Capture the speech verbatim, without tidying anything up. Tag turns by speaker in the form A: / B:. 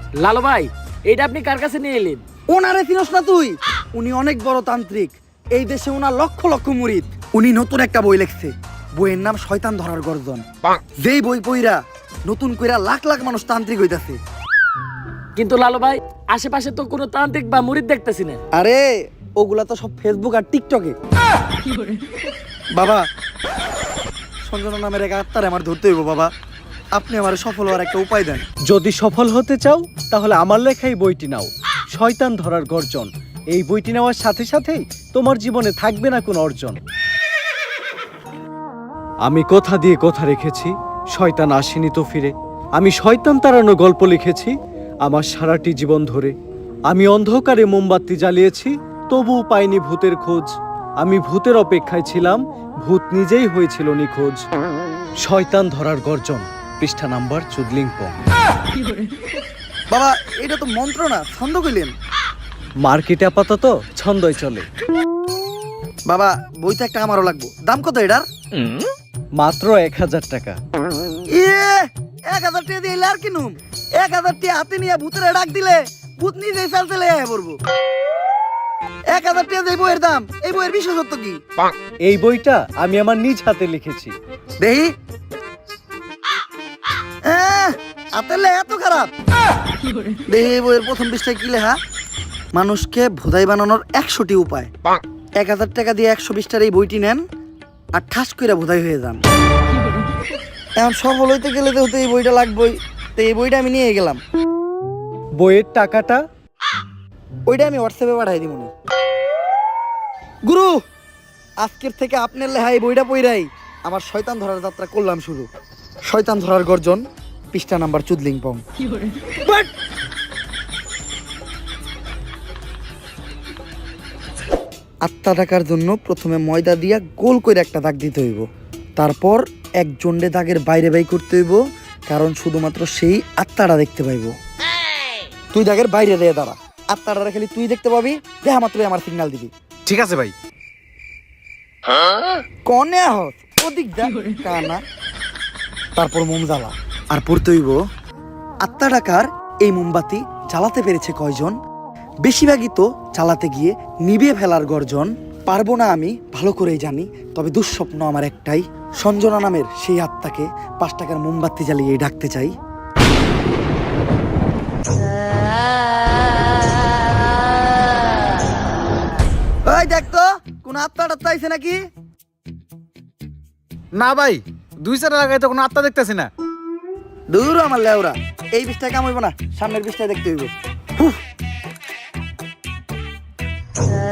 A: লালু ভাই, এটা আপনি কার কাছে নিয়ে এলেন?
B: ওনারে চিনস না তুই? উনি অনেক বড় তান্ত্রিক। এই দেশে ওনার লক্ষ লক্ষ মুরিদ। উনি নতুন একটা বই লিখছে, বইয়ের নাম শয়তান ধরার গর্জন। যেই বই পইরা নতুন কইরা লাখ লাখ মানুষ তান্ত্রিক হইতাছে।
A: কিন্তু লালু ভাই, আশেপাশে তো কোনো তান্ত্রিক বা মুরিদ দেখতেছি না।
B: আরে ওগুলা তো সব ফেসবুক আর টিকটকে। বাবা, সঞ্জনা নামের এক আত্মারে আমার ধরতে হইব বাবা। আপনি আমার সফল হওয়ার একটা উপায় দেন।
C: যদি সফল হতে চাও তাহলে আমার লেখা এই বইটি নাও, শয়তান ধরার গর্জন। এই বইটি নেওয়ার সাথে সাথেই তোমার জীবনে থাকবে না কোনো অর্জন। আমি কথা দিয়ে কথা রেখেছি, শয়তান আসেনি তো ফিরে। আমি শয়তান তাড়ানো গল্প লিখেছি আমার সারাটি জীবন ধরে। আমি অন্ধকারে মোমবাতি জ্বালিয়েছি, তবুও পাইনি ভূতের খোঁজ। আমি ভূতের অপেক্ষায় ছিলাম, ভূত নিজেই হয়েছিল নিখোঁজ। শয়তান ধরার গর্জন, পৃষ্ঠা নাম্বার চুদলিংপং।
B: বাবা, এটা তো মন্ত্র না, ছন্দ কইলেন।
C: মার্কেটে আপাতত ছন্দই চলে।
B: বাবা, বইটা একটা আমারও লাগবো। দাম কত এটার?
C: মাত্র এক হাজার টাকা।
B: ইয়ে, এক হাজার টাকা দিয়ে আর কিনুম? এক হাজার টাকা হাতে নিয়ে ভূতের ডাক দিলে ভূত নিজেই চালতে লেগে পড়বো। এক হাজার টাকা দিয়ে বইয়ের দাম, এই বইয়ের বিশেষত্ব কি?
C: এই বইটা আমি আমার নিজ হাতে লিখেছি।
B: দেহি হাতের লেখা এত খারাপ? দেহি বইয়ের প্রথম পৃষ্ঠায় কি লেখা? মানুষকে ভোদাই বানানোর একশোটি উপায়। এক হাজার টাকা দিয়ে একশো বিশটার এই বইটি নেন আর ঠাস করে ভোদাই হয়ে যান। এখন সফল হইতে গেলে তো এই বইটা লাগবেই। তো এই বইটা আমি নিয়ে গেলাম।
C: বইয়ের টাকাটা?
B: ওইটা আমি হোয়াটসঅ্যাপে পাঠাই দিব। গুরু, আজকের থেকে আপনার লেখা এই বইটা পইরাই আমার শয়তান ধরার যাত্রা করলাম শুরু। শয়তান ধরার গর্জন, পৃষ্ঠা নাম্বার চুদলিংপং। আত্মা ডাকার জন্য প্রথমে ময়দা দিয়া গোল করে একটা দাগ দিতে হইব। তারপর এক জন্ডে দাগের বাইরে বাই করতে হইব, কারণ শুধুমাত্র সেই আত্মাটা দেখতে পাইব। তুই দাগের বাইরে দিয়ে দাঁড়া, আত্মাটা খালি তুই দেখতে পাবি। দেখা মাত্রই আমার সিগন্যাল দিবি।
D: ঠিক আছে ভাই।
B: কনে হস ওদিক যা কানা। তারপর মোম জ্বালা আর পড়তে হইব, আত্মা ডাকার এই মোমবাতি জ্বালাতে পেরেছে কয়জন? বেশিরভাগই তো চালাতে গিয়ে নিভে ফেলার গর্জন। পারবো না আমি ভালো করেই জানি, তবে দুঃস্বপ্ন আমার একটাই, সঞ্জনা নামের সেই আত্মাকে পাঁচ টাকার মোমবাতি জ্বালিয়ে ডাকতে চাই। ওই দেখ তো কোন আত্মা টাত্মা আইছে নাকি?
D: না ভাই, দুই চার লাগাই তো কোনো আত্মা দেখতেছি না।
B: দূর আমার লেওরা, এই বিষটায় কাম হইব না, সামনের বিষটায় দেখতে হইব। হুহ।